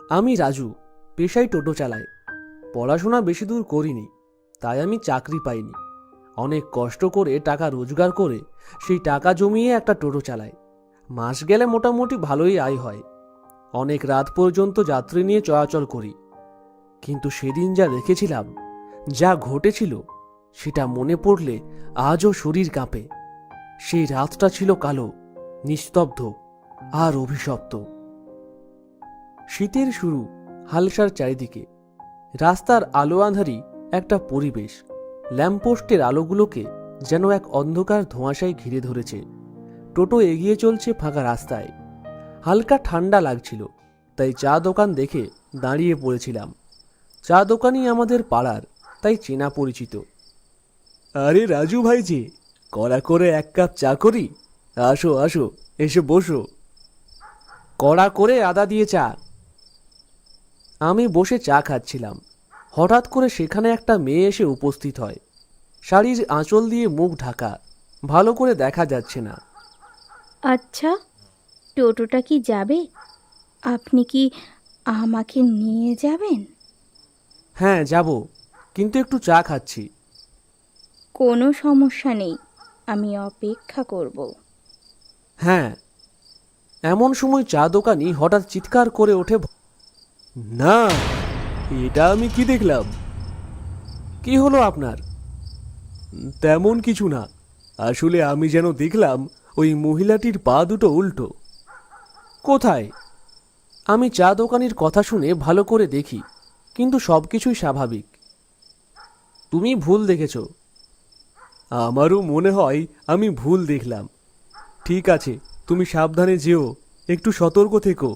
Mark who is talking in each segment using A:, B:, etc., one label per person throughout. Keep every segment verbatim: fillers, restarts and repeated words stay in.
A: আমি রাজু, পেশায় টোটো চালাই। পড়াশোনা বেশি দূর করিনি, তাই আমি চাকরি পাইনি। অনেক কষ্ট করে টাকা রোজগার করে সেই টাকা জমিয়ে একটা টোটো চালাই। মাস গেলে মোটামুটি ভালোই আয় হয়। অনেক রাত পর্যন্ত যাত্রী নিয়ে চলাচল করি। কিন্তু সেদিন যা দেখেছিলাম, যা ঘটেছিল, সেটা মনে পড়লে আজও শরীর কাঁপে। সেই রাতটা ছিল কালো, নিস্তব্ধ আর অভিশপ্ত। শীতের শুরু, হালসার চারিদিকে। রাস্তার আলো আঁধারি একটা পরিবেশ। ল্যাম্পপোস্টের আলোগুলোকে যেন এক অন্ধকার ধোঁয়াশায় ঘিরে ধরেছে। টোটো এগিয়ে চলছে ফাঁকা রাস্তায়। হালকা ঠান্ডা লাগছিল, তাই চা দোকান দেখে দাঁড়িয়ে পড়েছিলাম। চা দোকানই আমাদের পাড়ার, তাই চেনা পরিচিত। আরে রাজু ভাইজি, কড়া করে এক কাপ চা করি? আসো আসো, এসে বসো। কড়া করে আদা দিয়ে চা। আমি বসে চা খাচ্ছিলাম। হঠাৎ করে সেখানে একটা মেয়ে এসে উপস্থিত হয়। শাড়ির আঁচল দিয়ে মুখ ঢাকা, ভালো করে দেখা যাচ্ছে না।
B: আচ্ছা, টোটোটা কি যাবে? আপনি কি আমাকে নিয়ে যাবেন?
A: হ্যাঁ যাব, কিন্তু একটু চা খাচ্ছি।
B: কোনো সমস্যা নেই, আমি অপেক্ষা করব।
A: হ্যাঁ। এমন সময় চা দোকানি হঠাৎ চিৎকার করে ওঠে, না, এটা আমি কি দেখলাম? কি হলো আপনার? তেমন কিছু না, আসলে আমি যেন দেখলাম ওই মহিলাটির পা দুটো উল্টো। কোথায়? আমি চা দোকানির কথা শুনে ভালো করে দেখি, কিন্তু সবকিছুই স্বাভাবিক। তুমি ভুল দেখেছ। আমারও মনে হয় আমি ভুল দেখলাম। ঠিক আছে, তুমি সাবধানে যেও, একটু সতর্ক থেকো।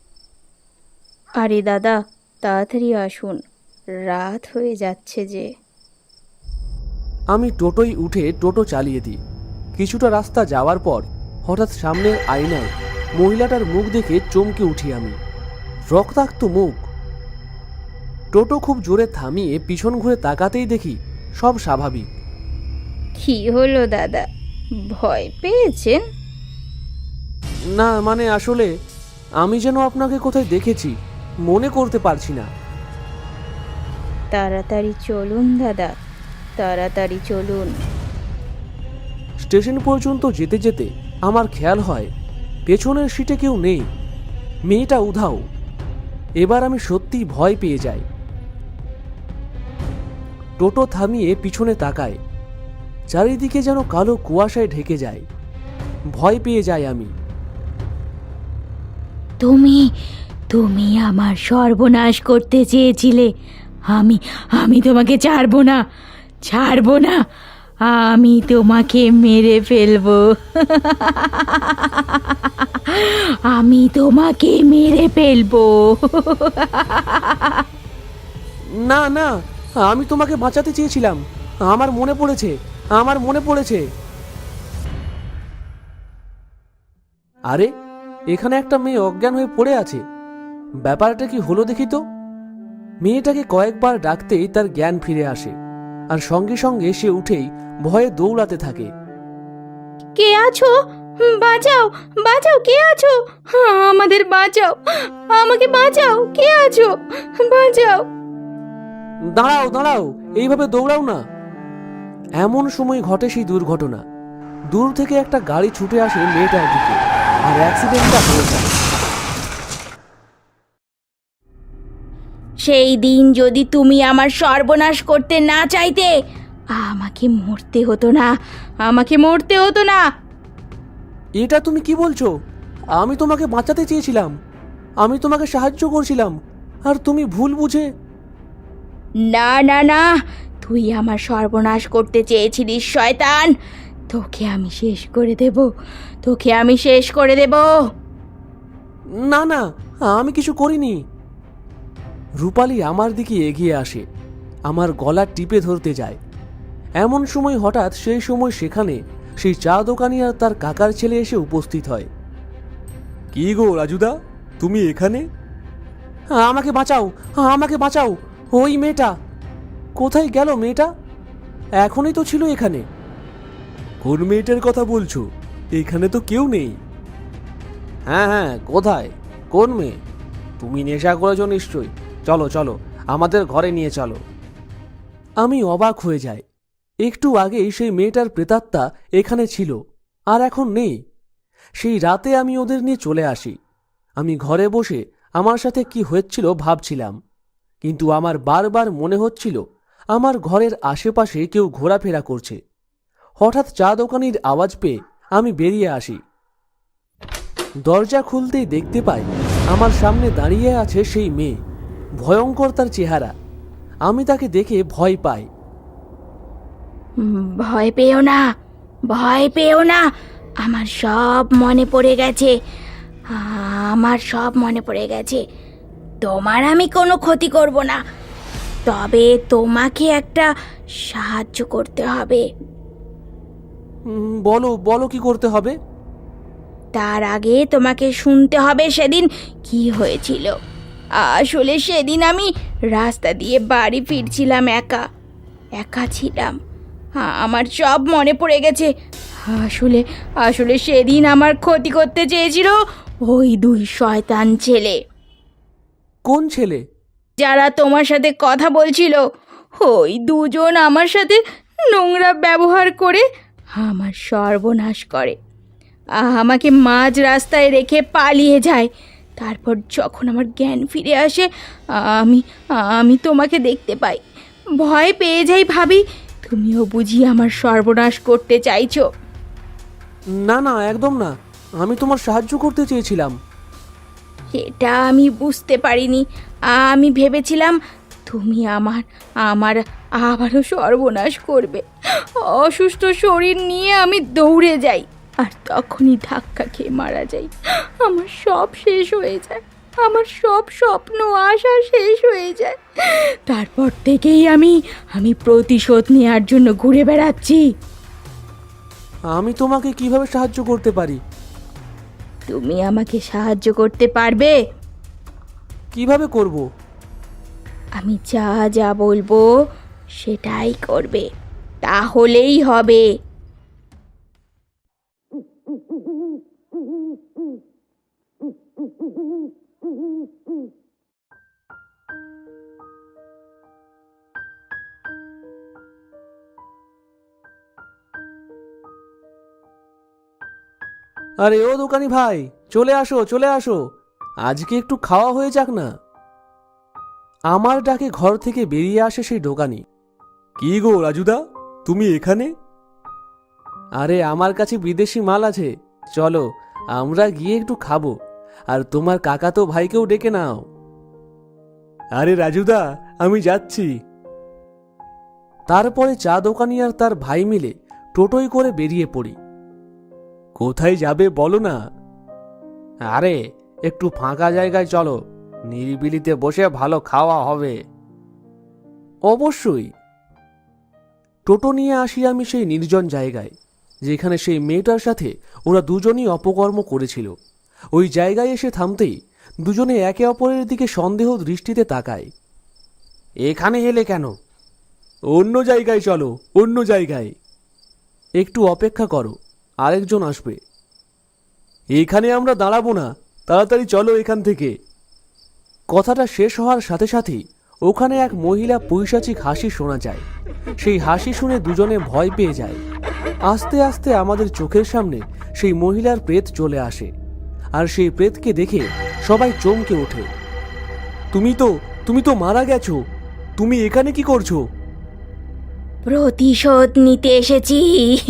B: আরে দাদা, তাড়াতাড়ি আসুন, রাত হয়ে যাচ্ছে যে।
A: আমি টোটোয় উঠে টোটো চালিয়ে দিই। কিছুটা রাস্তা যাওয়ার পর হঠাৎ সামনের আয়নায় মহিলাটার মুখ দেখে চমকে উঠি আমি। রক্তাক্ত মুখ। টোটো খুব জোরে থামিয়ে পিছন ঘুরে তাকাতেই দেখি সব স্বাভাবিক।
B: কি হলো দাদা, ভয় পেয়েছেন?
A: না মানে আসলে আমি যেন আপনাকে কোথায় দেখেছি, মনে করতে পারছি না।
B: তাড়াতাড়ি চলুন দাদা, তাড়াতাড়ি চলুন।
A: স্টেশন পর্যন্ত যেতে যেতে আমার খেয়াল হয় পেছনের সিটে কেউ নেই। মেয়েটা উধাও। এবার আমি সত্যিই ভয় পেয়ে যাই। টোটো থামিয়ে পিছনে তাকায়। চারিদিকে যেন কালো কুয়াশায় ঢেকে যায়। ভয় পেয়ে যাই আমি।
C: তুমি তুমি আমার সর্বনাশ করতে চেয়েছিলে। আমি আমি তোমাকে ছাড়বো না, ছাড়বো না। আমি তোমাকে মেরে ফেলবো। আমি তোমাকে মেরে ফেলবো।
A: না না, আমি তোমাকে বাঁচাতে চেয়েছিলাম। আমার মনে পড়েছে, আমার মনে পড়েছে। আরে, এখানে একটা মেয়ে অজ্ঞান হয়ে পড়ে আছে। ব্যাপারটা কি হলো দেখি তো। মেয়েটাকে কয়েকবার ডাকতেই তার জ্ঞান ফিরে আসে, আর সঙ্গে সঙ্গে সে উঠেই ভয়ে দৌড়াতে থাকে।
B: কে আছো? বাঁচাও, বাঁচাও, কে আছো? আমাদের বাঁচাও, আমাকে বাঁচাও, কে আছো? বাঁচাও।
A: দাঁড়াও দাঁড়াও, এইভাবে দৌড়াও না। এমন সময় ঘটে সেই দুর্ঘটনা। দূর থেকে একটা গাড়ি ছুটে আসে মেয়েটার দিকে, আর অ্যাক্সিডেন্টটা হয়ে যায়।
C: সেই দিন যদি তুমি আমার সর্বনাশ করতে না চাইতে, আমাকে মরতে হতো না, আমাকে মরতে হতো না।
A: এটা তুমি কি বলছো? আমি তোমাকে বাঁচাতে চেয়েছিলাম, আমি তোমাকে সাহায্য করছিলাম, আর তুমি ভুল বুঝে।
C: না না না, তুই আমার সর্বনাশ করতে চেয়েছিলিস শয়তান। তোকে আমি শেষ করে দেব, তোকে আমি শেষ করে দেব।
A: না না, আমি কিছু করিনি। রূপালী আমার দিকে এগিয়ে আসে, আমার গলা টিপে ধরতে যায়। এমন সময় হঠাৎ সেই সময় সেখানে সেই চা দোকানি আর তার কাকার ছেলে এসে উপস্থিত হয়। কি গো রাজুদা, তুমি এখানে? আমাকে বাঁচাও, আমাকে বাঁচাও। ওই মেয়েটা কোথায় গেল? মেয়েটা এখনই তো ছিল এখানে। কোন মেয়েটার কথা বলছো? এখানে তো কেউ নেই। হ্যাঁ হ্যাঁ, কোথায়? কোন মেয়ে? তুমি নেশা করেছো নিশ্চয়ই। চলো চলো, আমাদের ঘরে নিয়ে চলো। আমি অবাক হয়ে যাই। একটু আগেই সেই মেয়েটার প্রেতাত্মা এখানে ছিল, আর এখন নেই। সেই রাতে আমি ওদের নিয়ে চলে আসি। আমি ঘরে বসে আমার সাথে কি হয়েছিল ভাবছিলাম, কিন্তু আমার বারবার মনে হচ্ছিল আমার ঘরের আশেপাশে কেউ ঘোরাফেরা করছে। হঠাৎ চা দোকানির আওয়াজ পেয়ে আমি বেরিয়ে আসি। দরজা খুলতেই দেখতে পাই আমার সামনে দাঁড়িয়ে আছে সেই মেয়ে। ভয়ঙ্কর তার চেহারা। আমি তাকে দেখে ভয় পাই।
C: ভয় পেও না, ভয় পেও না, আমার সব মনে পড়ে গেছে, আমার সব মনে পড়ে গেছে। তোমার আমি কোনো ক্ষতি করব না, তবে তোমাকে একটা সাহায্য করতে হবে।
A: উম, বলো বলো কি করতে হবে?
C: তার আগে তোমাকে শুনতে হবে সেদিন কি হয়েছিল। আসলে সেদিন আমি রাস্তা দিয়ে বাড়ি ফিরছিলাম, একা একা ছিলাম। আমার সব মনে পড়ে গেছে। আসলে আসলে সেদিন আমার ক্ষতি করতে চেয়েছিল ওই দুই শয়তান ছেলে,
A: কোন ছেলে?
C: যারা তোমার সাথে কথা বলছিল। ওই দুজন আমার সাথে নোংরা ব্যবহার করে আমার সর্বনাশ করে, আমাকে মাঝ রাস্তায় রেখে পালিয়ে যায়। তারপর যখন আমার জ্ঞান ফিরে আসে, আমি আমি তোমাকে দেখতে পাই। ভয় পেয়ে যাই, ভাবি তুমিও বুঝি আমার সর্বনাশ করতে চাইছো।
A: না না, একদম না। আমি তোমার সাহায্য করতে চেয়েছিলাম।
C: এটা আমি বুঝতে পারিনি। আমি ভেবেছিলাম তুমি আমার আমার আবারও সর্বনাশ করবে। অসুস্থ শরীর নিয়ে আমি দৌড়ে যাই, আর তখনই ধাক্কা খেয়ে মারা যাই। আমার সব শেষ হয়ে যায়, আমার সব স্বপ্ন আশা শেষ হয়ে যায়। তারপর থেকেই আমি আমি প্রতিশোধ নেওয়ার জন্য ঘুরে বেড়াচ্ছি।
A: আমি তোমাকে কিভাবে সাহায্য করতে পারি?
C: তুমি আমাকে সাহায্য করতে পারবে?
A: কিভাবে করব?
C: আমি যা যা বলবো সেটাই করবে, তাহলেই হবে।
A: আরে ও দোকানি ভাই, চলে আসো চলে আসো, আজকে একটু খাওয়া হয়ে যাক না। আমার ডাকে ঘর থেকে বেরিয়ে আসে সেই দোকানি। কি গো রাজুদা, তুমি এখানে? আরে আমার কাছে বিদেশি মাল আছে, চলো আমরা গিয়ে একটু খাবো, আর তোমার কাকাতো ভাইকেও ডেকে নাও। আরে রাজুদা, আমি যাচ্ছি। তারপরে চা দোকানি আর তার ভাই মিলে টোটোয় করে বেরিয়ে পড়ি। কোথায় যাবে বলো না? আরে একটু ফাঁকা জায়গায় চলো, নিরিবিলিতে বসে ভালো খাওয়া হবে। অবশ্যই। টোটো নিয়ে আসি আমি সেই নির্জন জায়গায়, যেখানে সেই মেয়েটার সাথে ওরা দুজনই অপকর্ম করেছিল। ওই জায়গায় এসে থামতেই দুজনে একে অপরের দিকে সন্দেহ দৃষ্টিতে তাকায়। এখানে এলে কেন? অন্য জায়গায় চলো, অন্য জায়গায়। একটু অপেক্ষা করো, আরেকজন আসবে। এখানে আমরা দাঁড়াবো না, তাড়াতাড়ি চলো এখান থেকে। কথাটা শেষ হওয়ার সাথে সাথেই ওখানে এক মহিলা পৈশাচিক হাসি শোনা যায়। সেই হাসি শুনে দুজনে ভয় পেয়ে যায়। আস্তে আস্তে আমাদের চোখের সামনে সেই মহিলার প্রেত চলে আসে, আর সেই প্রেতকে দেখে সবাই চমকে ওঠে। তুমি তো তুমি তো মারা গেছো, তুমি এখানে কি করছো?
C: প্রতিশোধ নিতে এসেছি,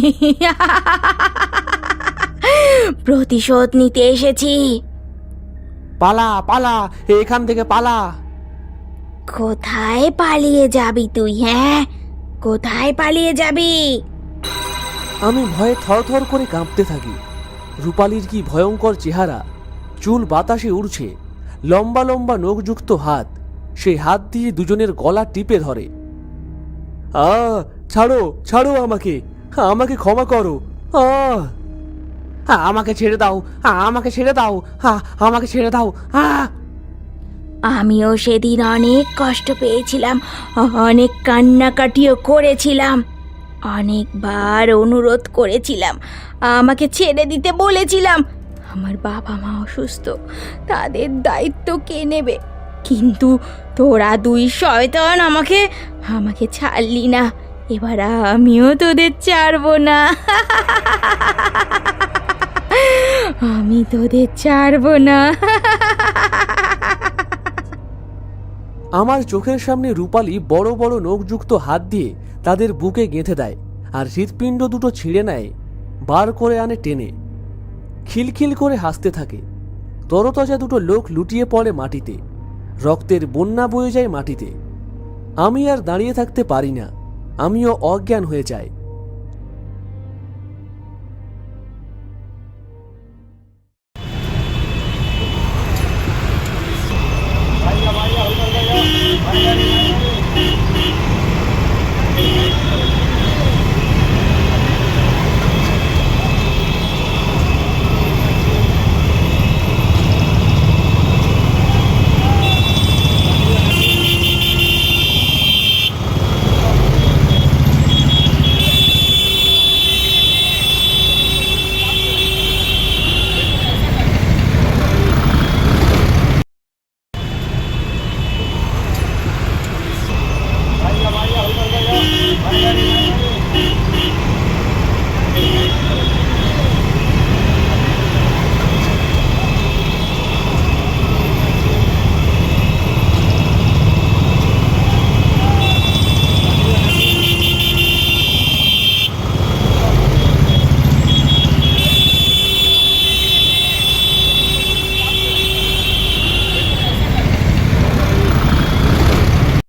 C: প্রতিশোধ নিতে এসেছি।
A: পালা পালা, এখান থেকে পালা।
C: কোথায় পালিয়ে যাবি তুই? হ্যাঁ, কোথায় পালিয়ে যাবি?
A: আমি ভয়ে থরথর করে কাঁপতে থাকি। রূপালীর কি ভয়ঙ্কর চেহারা, চুল বাতাসে উড়ছে, লম্বা লম্বা নখযুক্ত হাত। সেই হাত দিয়ে দুজনের গলা টিপে ধরে। আ ছাড়ো ছাড়ো, আমাকে আমাকে ক্ষমা করো। আ আমাকে ছেড়ে দাও, আমাকে ছেড়ে দাও, আমাকে ছেড়ে দাও। আ
C: আমিও সেদিন অনেক কষ্ট পেয়েছিলাম, অনেক কান্নাকাটিও করেছিলাম, অনেকবার অনুরোধ করেছিলাম, আমাকে ছেড়ে দিতে বলেছিলাম।
B: আমার বাবা মা অসুস্থ, তাদের দায়িত্ব কে নেবে? কিন্তু তোরা দুই শয়তান আমাকে আমাকে ছাড়লি না, এবার আমিও তোদের ছাড়বো না। আমি তোদের ছাড়বো না।
A: আমার চোখের সামনে রূপালী বড় বড় নখযুক্ত হাত দিয়ে তাদের বুকে গেঁথে দেয় আর হৃৎপিণ্ড দুটো ছিঁড়ে নেয়, বার করে আনে টেনে। খিলখিল করে হাসতে থাকে। তরতাজা দুটো লোক লুটিয়ে পড়ে মাটিতে, রক্তের বন্যা বয়ে যায় মাটিতে। আমি আর দাঁড়িয়ে থাকতে পারি না, আমিও অজ্ঞান হয়ে যাই।